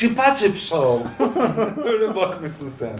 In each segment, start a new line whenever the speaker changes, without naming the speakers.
Çıpa çıp show. Öyle bakmışsın sen.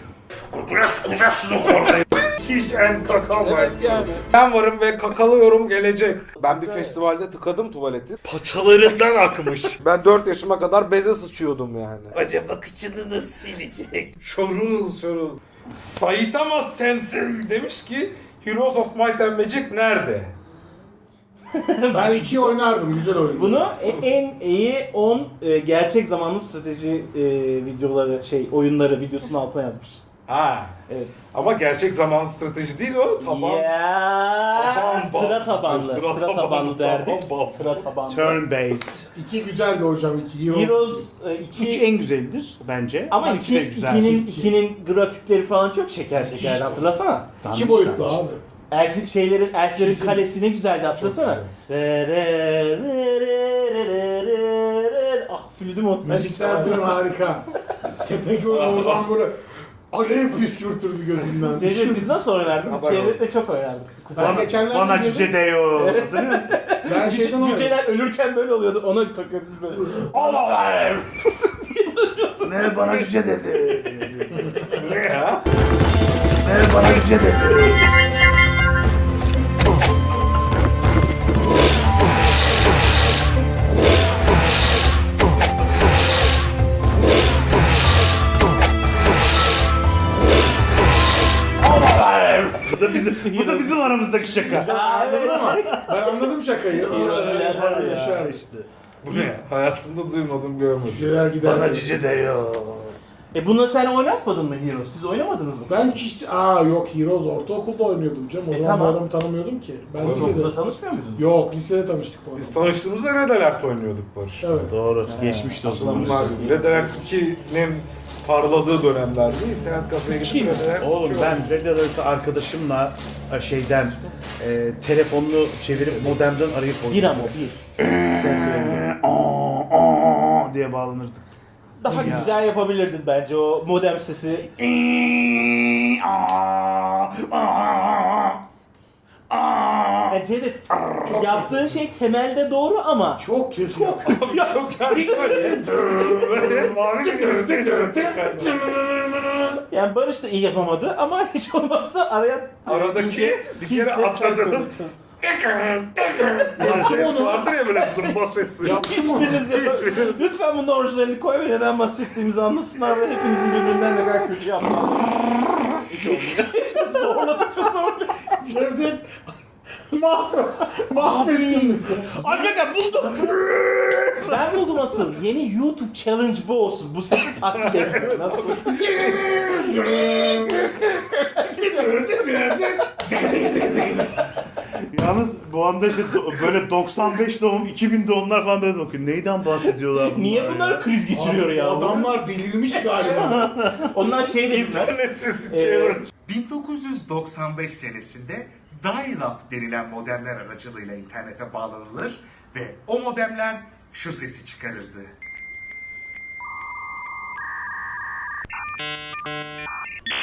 Şiş en kakao. Evet yani. Ben varım ve kakalıyorum gelecek. Ben bir festivalde tıkadım tuvaleti. Paçalarından akmış. Ben 4 yaşıma kadar beze sıçıyordum yani.
Acaba kıçını nasıl silecek?
Şorul şorul. Saitama Sensei demiş ki Heroes of Might and Magic nerede?
Ben 2 oynardım, güzel oyun.
Bunu en iyi 10 gerçek zamanlı strateji videoları, oyunları videosunun altına yazmış.
Ha.
Evet.
Ama gerçek zamanlı strateji değil o. Taban.
Ya,
Taban
sıra
bas.
tabanlı.
Sıra
Sıra
tabanlı,
tabanlı derdik.
taban bas.
Sıra tabanlı.
Turn based.
2 güzeldi hocam, 2.
Heroes
3
2
en güzelidir bence.
ama
iki de güzel.
2'nin grafikleri falan çok şekerdi, hatırlasana.
2 boyutlu abi.
Elflerin kalesi ne güzeldi, hatırlasana. Re re re re re re re. Ah flütüm olsun.
Müzikler falan harika. Tepegöz oradan böyle alev püskürtürdü gözünden.
Cevdet biz nasıl oynardık? Biz Cevdet'le çok oynardık.
Ben geçenlerde
Bana
girdim.
cüce deyo. Hatırlıyor musun?
Ben şeyden oynadım.
Cüceler ölürken böyle oluyordu. Ona takıyorduk biz böyle. Allah!
Ne bana cüce dedi.
Ne ya?
Ne bana cüce dedi. Bu da bizim aramızdaki şaka.
Anladım ama ben anladım şakayı. Düşer işte.
Bu ne? Hayatımda duymadım, görmedim.
Şeyler gider.
Bana cüce deyo.
Bunu sen oynatmadın mı Heroes? Siz oynamadınız mı?
Ben hiç... yok Heroes ortaokulda oynuyordum canım. O zaman
tamam.
bu adamı tanımıyordum ki. Ben
Tabii.
lisede...
Okulda tanışmıyor muydunuz?
Yok, lisede tanıştık bu
Biz
adamla.
tanıştığımızda Red Alert oynuyorduk Barış.
Evet.
Doğru. Geçmişti o zaman.
Bunlar Red Alert 2'nin parladığı dönemlerdi. İnternet kafeye gidip Red Alert
Oğlum
açıyordum.
ben Red Alert'ı arkadaşımla telefonunu çevirip modemden arayıp
Bir ama bir. Sen söyle.
diye bağlanırdık.
Daha
Ya.
güzel yapabilirdin bence o modem sesi. Yani Cevdet, yaptığın şey temelde doğru ama
Çok kötü.
çok kötü ya.
Böyle mavi bir gözlük.
Yani Barış da iyi yapamadı ama hiç olmazsa araya
Aradaki bir
tiz
kere
sesler
atladınız.
konuşuyoruz.
Ses vardır ya böyle zımba sesi.
Hiçbiriniz yapın. Lütfen bunun orijinalini koy ve neden bahsettiğimizi anlasınlar ve hepinizin birbirinden ne kadar kötü yaptığını. Zorladıkça zorluyor.
Cevdet mahvettin bizi.
Arkadaşlar buldum.
Ben buldum asıl. Yeni YouTube challenge bu olsun. Bu sesi taklit etmek. Nasıl?
Yalnız bu anda işte böyle 95 doğum, 2000 doğumlar falan böyle bakıyor. Neyden bahsediyorlar bunlar
Niye
ya?
bunlar kriz geçiriyor ya?
Adamlar delirmiş galiba.
Onlar şey de bilmez.
İnternet sesi challenge.
1995 senesinde dial-up denilen modemler aracılığıyla internete bağlanılır ve o modemler şu sesi çıkarırdı.